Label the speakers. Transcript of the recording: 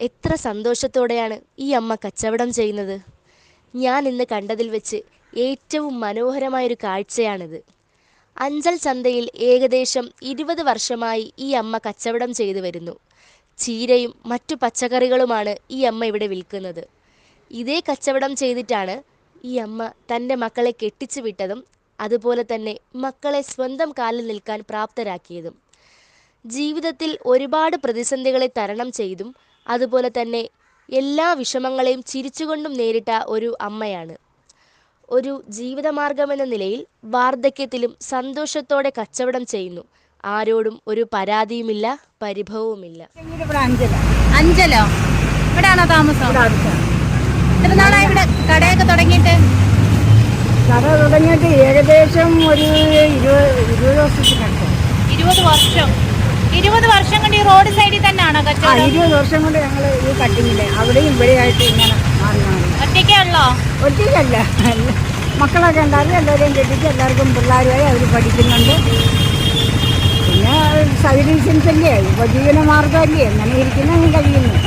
Speaker 1: എത്ര സന്തോഷത്തോടെയാണ് ഈ അമ്മ കച്ചവടം ചെയ്യുന്നത്. ഞാൻ ഇന്ന് കണ്ടതിൽ വെച്ച് ഏറ്റവും മനോഹരമായൊരു കാഴ്ചയാണിത്. അഞ്ചൽ ചന്തയിൽ ഏകദേശം 20 വർഷമായി ഈ അമ്മ കച്ചവടം ചെയ്തു വരുന്നു. ചീരയും മറ്റു പച്ചക്കറികളുമാണ് ഈ അമ്മ ഇവിടെ വിൽക്കുന്നത്. ഇതേ കച്ചവടം ചെയ്തിട്ടാണ് ഈ അമ്മ തൻ്റെ മക്കളെ കെട്ടിച്ചു വിട്ടതും അതുപോലെ തന്നെ മക്കളെ സ്വന്തം കാലിൽ നിൽക്കാൻ പ്രാപ്തരാക്കിയതും. ജീവിതത്തിൽ ഒരുപാട് പ്രതിസന്ധികളെ തരണം ചെയ്തും അതുപോലെ തന്നെ എല്ലാ വിഷമങ്ങളെയും ചിരിച്ചുകൊണ്ടും നേരിട്ട ഒരു അമ്മയാണ്. ഒരു ജീവിതമാർഗമെന്ന നിലയിൽ വാർദ്ധക്യത്തിലും സന്തോഷത്തോടെ കച്ചവടം ചെയ്യുന്നു. ആരോടും ഒരു പരാതിയുമില്ല, പരിഭവവുമില്ല.
Speaker 2: അഞ്ചലോ? ഇവിടെയാണോ താമസം? എത്ര നാളായി ഇവിടെ കടയൊക്കെ തുടങ്ങിയിട്ട്?
Speaker 3: കട തുടങ്ങിയിട്ട് ഏകദേശം ഒരു 20 വർഷത്തിനടുത്ത്.
Speaker 2: 20 വർഷം. 20 വർഷം കൊണ്ട് ഈ റോഡ് സൈഡിൽ തന്നെയാണോ കച്ചവടം?
Speaker 3: 20 വർഷം കൊണ്ട് ഞങ്ങൾ ഈ കട്ടിങ്ങില് അവിടെയും ഇവിടെയായിട്ട് ഇങ്ങനെ മാറി മാറി.
Speaker 2: ഒറ്റയ്ക്കേ ഉള്ളോ?
Speaker 3: ഒറ്റയ്ക്കല്ല, മക്കളൊക്കെ ഉണ്ടായിരുന്നു. എല്ലാവരെയും കെട്ടിച്ച് എല്ലാവർക്കും പിള്ളേരുമായി അവർ പഠിക്കുന്നുണ്ട്. പിന്നെ സൈഡ് ബിസിനസ് അല്ലേ, ഉപജീവന മാർഗ്ഗമല്ലേ, അങ്ങനെ ഇരിക്കുന്ന കഴിയുന്നു.